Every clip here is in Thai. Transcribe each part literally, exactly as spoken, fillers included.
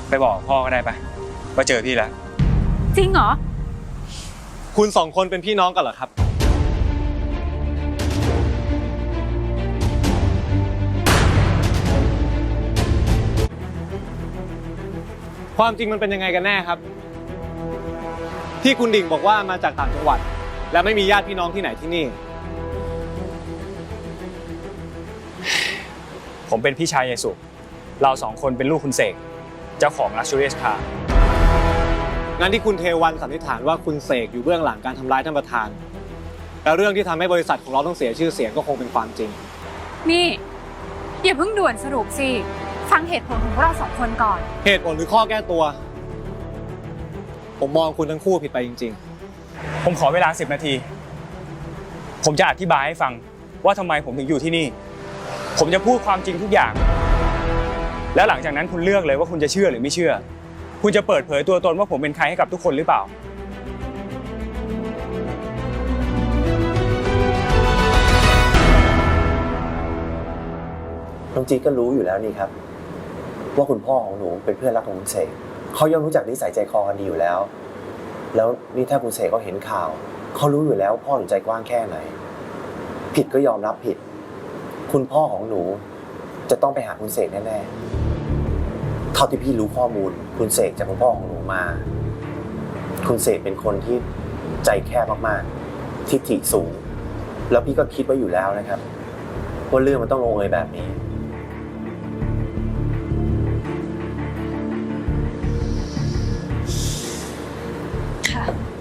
ไปบอกพ่อก็ได้ไปว่าเจอพี่แล้วจริงเหรอคุณสองคนเป็นพี่น้องกันเหรอครับความจริงมันเป็นยังไงกันแน่ครับที่คุณดิ่งบอกว่ามาจากต่างจังหวัดและไม่มีญาติพี่น้องที่ไหนที่นี่ผมเป็นพี่ชายยายสุเราสองคนเป็นลูกคุณเสกเจ้าของ Luxurious Car งั้นที่คุณเทวันสันนิษฐานว่าคุณเสกอยู่เบื้องหลังการทำร้ายท่านประธานแล้วเรื่องที่ทำให้บริษัทของเราต้องเสียชื่อเสียงก็คงเป็นความจริงนี่อย่าเพิ่งด่วนสรุปสิฟังเหตุผลของพวกเราสองคนก่อนเหตุผลหรือข้อแก้ตัวผมมองคุณทั้งคู่ผิดไปจริงๆผมขอเวลาสิบนาทีผมจะอธิบายให้ฟังว่าทำไมผมถึงอยู่ที่นี่ผมจะพูดความจริงทุกอย่างแล้วหลังจากนั้นคุณเลือกเลยว่าคุณจะเชื่อหรือไม่เชื่อคุณจะเปิดเผยตัวตนว่าผมเป็นใครให้กับทุกคนหรือเปล่าน้องจีก็รู้อยู่แล้วนี่ครับว่าคุณพ่อของหนูเป็นเพื่อนรักของคุณเสกเขาย่อมรู้จักนิสัยใจคอกันดีอยู่แล้วแล้วนี่ถ้าคุณเสกเขาเห็นข่าวเขารู้อยู่แล้วพ่อหนูใจกว้างแค่ไหนผิดก็ยอมรับผิดคุณพ่อของหนูจะต้องไปหาคุณเสกแน่ๆเท่าที่พี่รู้ข้อมูลคุณเสกจากคุณพ่อของหนูมาคุณเสกเป็นคนที่ใจแคบมากๆทิฐิสูงแล้วพี่ก็คิดไว้อยู่แล้วนะครับว่าเรื่องมันต้องลงเอยแบบนี้ค่ะ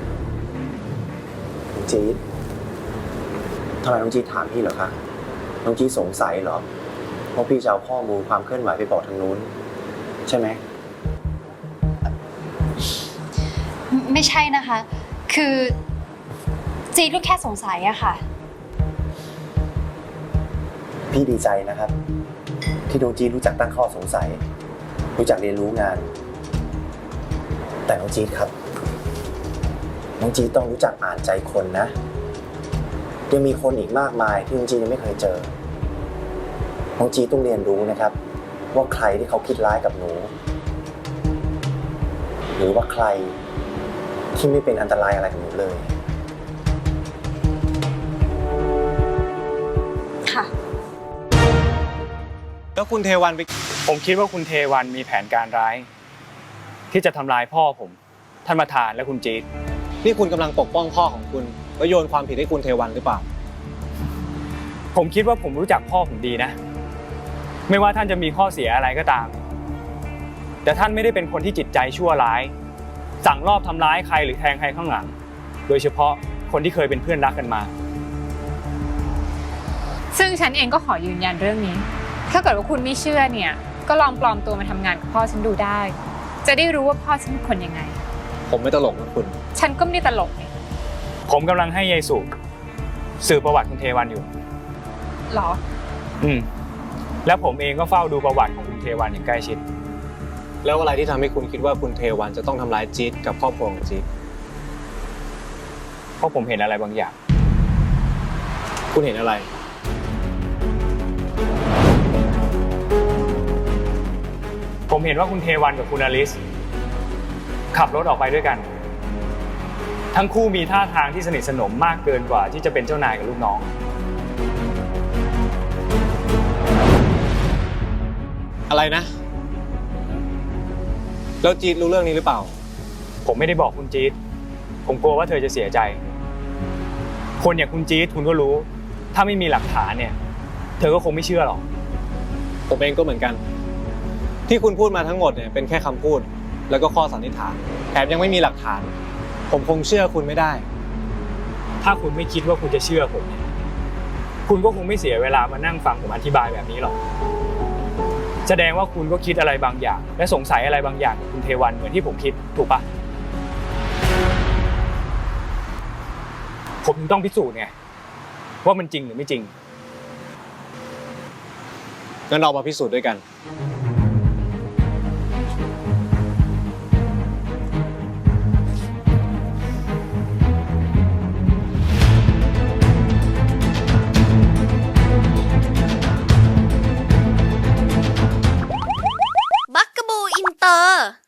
น้องจี๊ดทำไมน้องจี๊ดถามพี่เหรอคะน้องจี๊ดสงสัยเหรอว่าพี่จะเอาข้อมูลความเคลื่อนไหวไปบอกทางนู้นใช่ไหมไม่ใช่นะคะคือจี๊ดก็แค่สงสัยอะค่ะพี่ดีใจนะครับที่น้องจี๊ดรู้จักตั้งข้อสงสัยรู้จักเรียนรู้งานแต่น้องจี๊ดครับน้องจี๊ดต้องรู้จักอ่านใจคนนะยังมีคนอีกมากมายที่น้องจี๊ดยังไม่เคยเจอน้องจี๊ดต้องเรียนรู้นะครับว่าใครที่เขาคิดร้ายกับหนูหรือว่าใครที่ไม่เป็นอันตรายอะไรกับหนูเลยค่ะแล้วคุณเทวันไปผมคิดว่าคุณเทวันมีแผนการร้ายที่จะทำลายพ่อผมท่านประธานและคุณจี๊ดนี่คุณกำลังปกป้องพ่อของคุณแล้วโยนความผิดให้คุณเทวันหรือเปล่าผมคิดว่าผมรู้จักพ่อผมดีนะไม่ว่าท่านจะมีข้อเสียอะไรก็ตามแต่ท่านไม่ได้เป็นคนที่จิตใจชั่วร้ายสั่งลอบทำร้ายใครหรือแทงใครข้างหลังโดยเฉพาะคนที่เคยเป็นเพื่อนรักกันมาซึ่งฉันเองก็ขอยืนยันเรื่องนี้ถ้าเกิดว่าคุณไม่เชื่อเนี่ยก็ลองปลอมตัวมาทำงานกับพ่อฉันดูได้จะได้รู้ว่าพ่อฉันเป็นคนยังไงผมไม่ตลกนะคุณฉันก็ไม่ได้ตลกนี่ผมกำลังให้ยายสุสืบประวัติคุณเทวันอยู่หรออืมแล้วผมเองก็เฝ้าดูประวัติของคุณเทวันอย่างใกล้ชิดแล้วอะไรที่ทำให้คุณคิดว่าคุณเทวันจะต้องทำร้ายจี๊ดกับครอบครัวของจี๊ดเพราะผมเห็นอะไรบางอย่างคุณเห็นอะไรผมเห็นว่าคุณเทวันกับคุณอลิสขับรถออกไปด้วยกันทั้งคู่มีท่าทางที่สนิทสนมมากเกินกว่าที่จะเป็นเจ้านายกับลูกน้องอะไรนะแล้วจี๊ดรู้เรื่องนี้หรือเปล่าผมไม่ได้บอกคุณจี๊ดผมกลัวว่าเธอจะเสียใจคนอย่างคุณจี๊ดคุณก็รู้ถ้าไม่มีหลักฐานเนี่ยเธอก็คงไม่เชื่อหรอกผมเองก็เหมือนกันที่คุณพูดมาทั้งหมดเนี่ยเป็นแค่คำพูดแล้วก็ข้อสันนิษฐานแถมยังไม่มีหลักฐานผมคงเชื่อคุณไม่ได้ถ้าคุณไม่คิดว่าคุณจะเชื่อผมเนี่ยคุณก็คงไม่เสียเวลามานั่งฟังผมอธิบายแบบนี้หรอกแสดงว่าคุณก็คิดอะไรบางอย่างและสงสัยอะไรบางอย่างกับคุณเทวันเหมือนที่ผมคิดถูกปะผมต้องพิสูจน์ไงว่ามันจริงหรือไม่จริงงั้นเรามาพิสูจน์ด้วยกันบักกะบูอินโตเตอร์